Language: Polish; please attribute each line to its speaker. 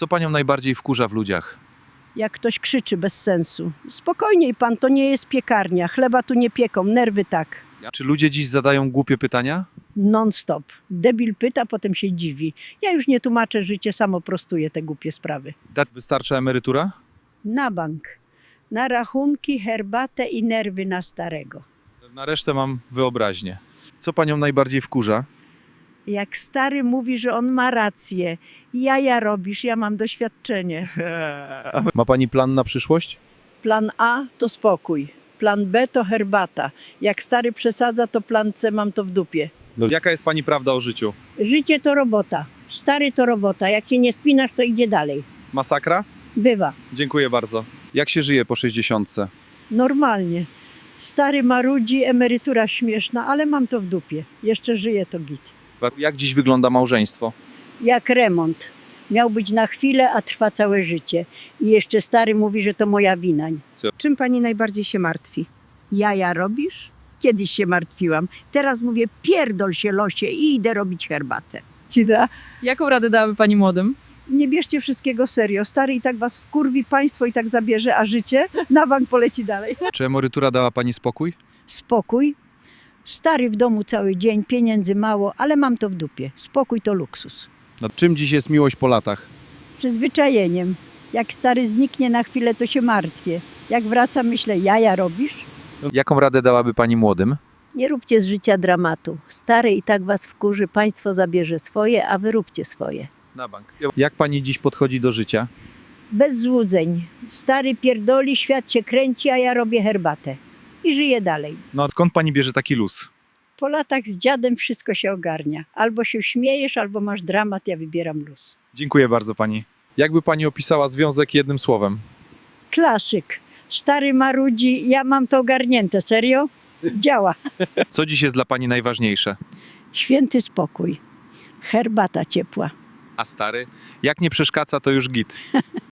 Speaker 1: Co panią najbardziej wkurza w ludziach?
Speaker 2: Jak ktoś krzyczy bez sensu. Spokojniej pan, to nie jest piekarnia. Chleba tu nie pieką, nerwy tak.
Speaker 1: Czy ludzie dziś zadają głupie pytania?
Speaker 2: Non-stop. Debil pyta, potem się dziwi. Ja już nie tłumaczę, życie samo prostuje te głupie sprawy.
Speaker 1: Wystarcza emerytura?
Speaker 2: Na bank. Na rachunki, herbatę i nerwy na starego.
Speaker 1: Na resztę mam wyobraźnię. Co panią najbardziej wkurza?
Speaker 2: Jak stary mówi, że on ma rację. Jaja robisz, ja mam doświadczenie.
Speaker 1: Ma pani plan na przyszłość?
Speaker 2: Plan A to spokój. Plan B to herbata. Jak stary przesadza, to plan C mam to w dupie.
Speaker 1: Jaka jest pani prawda o życiu?
Speaker 2: Życie to robota. Stary to robota. Jak się nie spinasz, to idzie dalej.
Speaker 1: Masakra?
Speaker 2: Bywa.
Speaker 1: Dziękuję bardzo. Jak się żyje po 60?
Speaker 2: Normalnie. Stary marudzi, emerytura śmieszna, ale mam to w dupie. Jeszcze żyję, to git.
Speaker 1: Jak dziś wygląda małżeństwo?
Speaker 2: Jak remont. Miał być na chwilę, a trwa całe życie. I jeszcze stary mówi, że to moja wina.
Speaker 3: Czym pani najbardziej się martwi?
Speaker 2: Jaja robisz? Kiedyś się martwiłam. Teraz mówię, pierdol się losie i idę robić herbatę. Ci da?
Speaker 3: Jaką radę dałaby pani młodym?
Speaker 2: Nie bierzcie wszystkiego serio. Stary i tak was wkurwi, państwo i tak zabierze, a życie na bank poleci dalej.
Speaker 1: Czy emerytura dała pani spokój?
Speaker 2: Spokój. Stary w domu cały dzień, pieniędzy mało, ale mam to w dupie. Spokój to luksus.
Speaker 1: Czym dziś jest miłość po latach?
Speaker 2: Przyzwyczajeniem. Jak stary zniknie na chwilę, to się martwię. Jak wracam, myślę, jaja robisz?
Speaker 1: Jaką radę dałaby pani młodym?
Speaker 4: Nie róbcie z życia dramatu. Stary i tak was wkurzy, państwo zabierze swoje, a wy róbcie swoje.
Speaker 1: Na bank. Jak pani dziś podchodzi do życia?
Speaker 2: Bez złudzeń. Stary pierdoli, świat się kręci, a ja robię herbatę. I żyję dalej.
Speaker 1: Skąd pani bierze taki luz?
Speaker 2: Po latach z dziadem wszystko się ogarnia. Albo się śmiejesz, albo masz dramat, ja wybieram luz.
Speaker 1: Dziękuję bardzo pani. Jakby pani opisała związek jednym słowem?
Speaker 2: Klasyk. Stary marudzi, ja mam to ogarnięte. Serio? Działa.
Speaker 1: Co dziś jest dla pani najważniejsze?
Speaker 2: Święty spokój. Herbata ciepła.
Speaker 1: A stary? Jak nie przeszkadza, to już git.